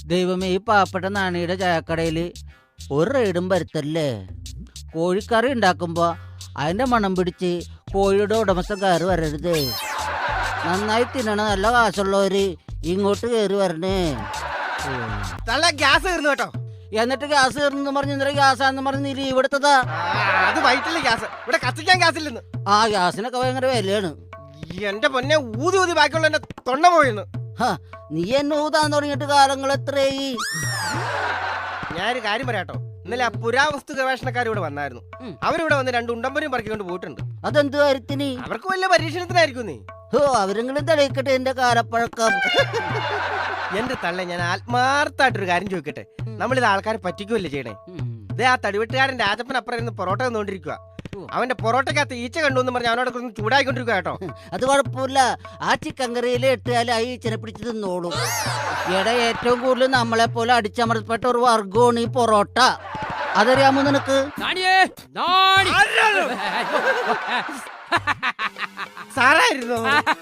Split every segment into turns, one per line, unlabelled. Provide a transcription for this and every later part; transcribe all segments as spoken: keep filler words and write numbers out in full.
ദൈവമേ, ഈ പാവപ്പെട്ട നാണിയുടെ ചായക്കടയിൽ ഒരു റെയ്ഡും വരുത്തല്ലേ. കോഴിക്കറി ഉണ്ടാക്കുമ്പോൾ അതിൻ്റെ മണം പിടിച്ച് കോഴിയുടെ ഉടമസ്ഥൻ കയറി വരരുതേ. നന്നായി തിന്നണ നല്ല കാശുള്ളവര് ഇങ്ങോട്ട് കയറി വരണേ.
ഗ്യാസ് തീർന്നു കേട്ടോ.
എന്നിട്ട് ഗ്യാസ് തീർന്നു പറഞ്ഞ് ഇന്നലെ ഗ്യാസാന്ന് പറഞ്ഞ് നീ ലീവ് എടുത്തതാ.
അത് വൈറ്റില്ല ഗ്യാസ്, ഇവിടെ കത്തിക്കാൻ ഗ്യാസ് ഇല്ലെന്ന്.
ആ ഗ്യാസിനൊക്കെ ഭയങ്കര വിലയാണ്.
എന്റെ പൊന്നെ, ഊതി ഊതി ബാക്കിയുള്ള എന്റെ തൊണ്ട പോയിന്ന്.
നീ എന്നെ ഊതാൻ തുടങ്ങിയിട്ട് കാലങ്ങൾ എത്രയായി?
ഞാനൊരു കാര്യം പറയാട്ടോ. ഇന്നലെ ആ പുരാവസ്തു ഗവേഷണക്കാർ ഇവിടെ വന്നായിരുന്നു. അവരിവിടെ വന്ന് രണ്ട് ഉണ്ടമ്പരും പറക്കിക്കൊണ്ട് പോയിട്ടുണ്ട്.
അതെന്ത് കാര്യത്തിന്?
അവർക്ക് വല്ല പരീക്ഷണത്തിനായിരിക്കും. നീ
ഓ അവരെങ്കിലും തെളിയിക്കട്ടെ എന്റെ കാലപ്പഴക്കം.
എന്റെ തള്ള, ഞാൻ ആത്മാർത്ഥമായിട്ടൊരു കാര്യം ചോദിക്കട്ടെ. നമ്മളിത് ആൾക്കാരെ പറ്റിക്കുമല്ലേ ചെയ്യണേ? ഇതേ ആ തടിവെട്ടുകാരൻ രാജപ്പൻ അപ്പുറം ഇരുന്ന് പൊറോട്ട തന്നുകൊണ്ടിരിക്കുക. അവന്റെ പൊറോട്ടക്കകത്ത് ഈച്ച കണ്ടു എന്ന് പറഞ്ഞ് അവനോട് ഒന്ന് ചൂടായിക്കൊണ്ടിരിക്കുക കേട്ടോ.
അത് കുഴപ്പമില്ല, ആ ചിക്കൻ കറിയിൽ ഇട്ടാൽ ആ ഈച്ചനെ പിടിച്ച് തിന്നോളൂ. ഇവിടെ ഏറ്റവും കൂടുതൽ നമ്മളെ പോലെ അടിച്ചമർത്തപ്പെട്ട ഒരു വർഗമാണ് ഈ പൊറോട്ട. അതറിയാമോ നിനക്ക്?
സാറായിരുന്നു.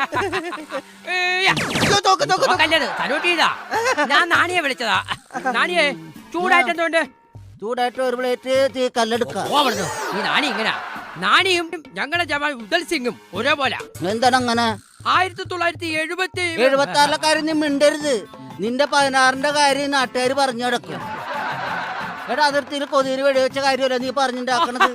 ഞാൻ നാണിയെ വിളിച്ചതാ. നാണിയെ ചൂടായിട്ടെന്തോണ്ട്?
ചൂടായിട്ട് ഒരു പ്ലേറ്റ് തീ കല്ലെടുക്കാം.
ഈ നാണി ഇങ്ങനെ നാണിയും ഞങ്ങളുടെ ജവാൻ ഉദൽ സിംഗും ഒരേപോലെ.
എന്താണ് അങ്ങനെ?
ആയിരത്തി തൊള്ളായിരത്തി എഴുപത്തി
എഴുപത്തി ആറിലെ കാര്യം നീ മിണ്ടരുത്. നിന്റെ പതിനാറിന്റെ കാര്യം നാട്ടുകാർ പറഞ്ഞു കിടക്കും. എടാ, അതിർത്തിയിൽ കൊതിയിൽ വെടിവെച്ച കാര്യമല്ല നീ പറഞ്ഞിട്ടുണ്ടാക്കണത്.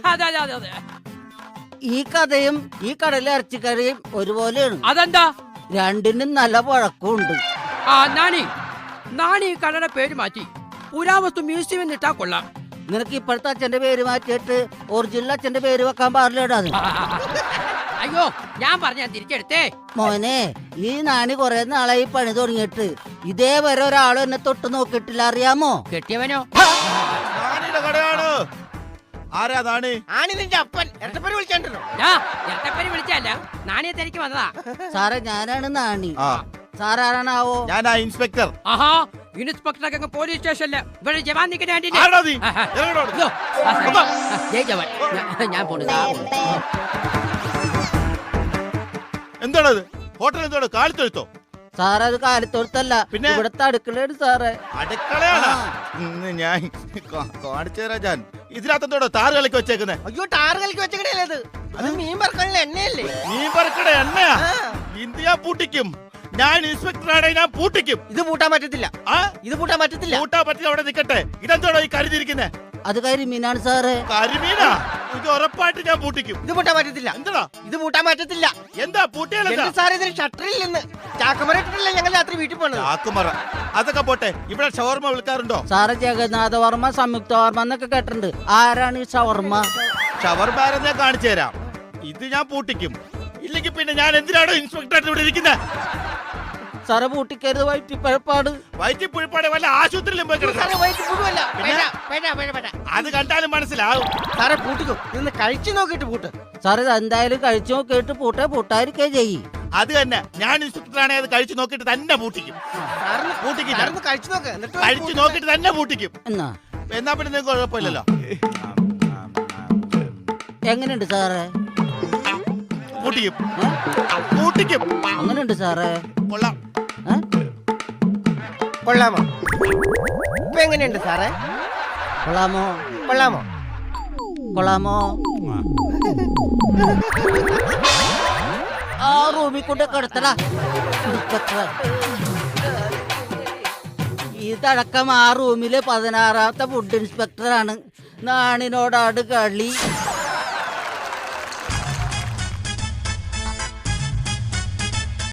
ഈ കഥയും ഈ കടലിലെ ഇറച്ചിക്കറിയും ഒരുപോലെയാണ്.
അതെന്താ?
രണ്ടിനും നല്ല പഴക്കമുണ്ട്.
ആ നാണി നാണി ഈ കടയുടെ പേര് മാറ്റി പുരാവസ്തു മ്യൂസിയം എന്നിട്ടാ കൊള്ളാം.
നിനക്ക് ഇപ്പോഴത്തെ അച്ഛന്റെ പേര് മാറ്റിയിട്ട് ഒറിജിനൽ അച്ഛന്റെ പേര് വെക്കാൻ പാടില്ലടാ.
അയ്യോ, ഞാൻ പറഞ്ഞ തിരിച്ചെടുത്തേ.
മോനെ, ഈ നാണി കുറെ നാളായി പണി തുടങ്ങിയിട്ട് ഇതേവരെ ഒരാളും എന്നെ തൊട്ട് നോക്കിയിട്ടില്ല, അറിയാമോ?
കെട്ടിയവനോ? വിളിച്ചല്ല, നാണിയെ തിരക്ക് വന്നതാ.
സാറേ, ഞാനാണ് നാണി. സാറാണാവോ?
ഞാനാ ഇൻസ്പെക്ടർ.
ആഹാ, ഇൻസ്പെക്ടർ പോലീസ് സ്റ്റേഷനില് ഇവിടെ ജവാൻ നിൽക്കുന്ന ഞാൻ പോണു.
എന്താണത്? ഹോട്ടൽ എന്തോട് കാലിത്തൊഴുത്തോ?
സാറേ, അത് കാലിത്തൊഴുത്തല്ല, പിന്നെ ഇവിടുത്തെ അടുക്കളയാണ് സാറേ.
അടുക്കളയാണ്? ഇന്ന് ഞാൻ കാണിച്ചു തരാം. ഞാൻ ഇതിനകത്തോടെ താറ് കളിക്ക് വെച്ചേക്കുന്നേ.
അയ്യോ, ടാറ് കളിക്ക് വെച്ചേക്കണേ. അത് മീൻ പറക്കാനുള്ള എണ്ണയല്ലേ?
മീൻ പറക്കണ എണ്ണയാ? ഇന്ത്യ പൂട്ടിക്കും. ഞാൻ ഇൻസ്പെക്ടറാണ്, ഞാൻ പൂട്ടിക്കും.
ഇത് പൂട്ടാൻ പറ്റത്തില്ല. ഇത് പൂട്ടാൻ പറ്റത്തില്ല.
പൂട്ടാൻ പറ്റില്ല, അവിടെ നിൽക്കട്ടെ. ഇതെന്തോടോ ഈ കരുതിയിരിക്കുന്നേ?
അത് കരിമീനാണ് സാറേ.
കരിമീനാ? ഇത് ഉറപ്പായിട്ട് ഞാൻ പൂട്ടിക്കും.
ഇത് പൂട്ടാൻ പറ്റത്തില്ല.
എന്താ ഇത്
പൂട്ടാൻ പറ്റത്തില്ല?
എന്താ പൂട്ടിയല്ല
സാറേ, ഇതിന് ഷട്ടറിൽ നിന്ന് ചാക്കുമറ ഇട്ടിട്ടല്ലേ ഞങ്ങൾ രാത്രി വീട്ടിൽ പോകണം.
ചാക്കുമറ അതൊക്കെ പോട്ടെ, ഇവിടെ ഷവർമ വിൽക്കാറുണ്ടോ?
സാറേ, ജഗന്നാഥ വർമ്മ, സംയുക്ത വർമ്മ എന്നൊക്കെ കേട്ടിട്ടുണ്ട്. ആരാണ് ഈ ഷവർമ്മ?
ഷവർമ ഞാൻ കാണിച്ചു തരാം. ഇത് ഞാൻ പൂട്ടിക്കും. ഇല്ലെങ്കിൽ പിന്നെ ഞാൻ എന്തിനാണോ ഇൻസ്പെക്ടറായിട്ട് ഇവിടെ ഇരിക്കുന്നത്?
സാറേ, പൂട്ടിക്കരുത്, വയറ്റിപ്പഴപ്പാട്.
വയറ്റിപ്പുഴപ്പാട് വല്ല ആശുപത്രിയിലും പോയി അത് കണ്ടാലും മനസ്സിലാവും.
സാറേ, പൂട്ടിക്കോ. ഇന്ന് കഴിച്ചു നോക്കിട്ട് പൂട്ട്.
സാറേ, എന്തായാലും കഴിച്ചു നോക്കിയിട്ട് പൂട്ടേ പൂട്ടായിരിക്കേ ചെയ്യും.
അത് തന്നെ, ഞാൻ ഇൻസ്പെക്ടറാണെ അത് കഴിച്ചു നോക്കിട്ട് തന്നെ പൂട്ടിക്കും. കഴിച്ചു നോക്കിട്ട് തന്നെ പൂട്ടിക്കും.
എന്നാ
എന്നാ പിന്നെ നിങ്ങൾക്ക് കുഴപ്പമില്ലല്ലോ.
എങ്ങനെയുണ്ട് സാറേ?
പൂട്ടിക്കും പൂട്ടിക്കും.
അങ്ങനെയുണ്ട് സാറേ.
കൊള്ളാം.
കൊള്ളാമോ? ഇപ്പൊ എങ്ങനെയുണ്ട് സാറേ?
കൊള്ളാമോ?
കൊള്ളാമോ?
കൊള്ളാമോ? ആ റൂമിൽ കൊണ്ട് കിടത്തടാ. ഇതടക്കം ആ റൂമിലെ പതിനാറാമത്തെ ഫുഡ് ഇൻസ്പെക്ടറാണ്. നാണിനോടാട് കളി.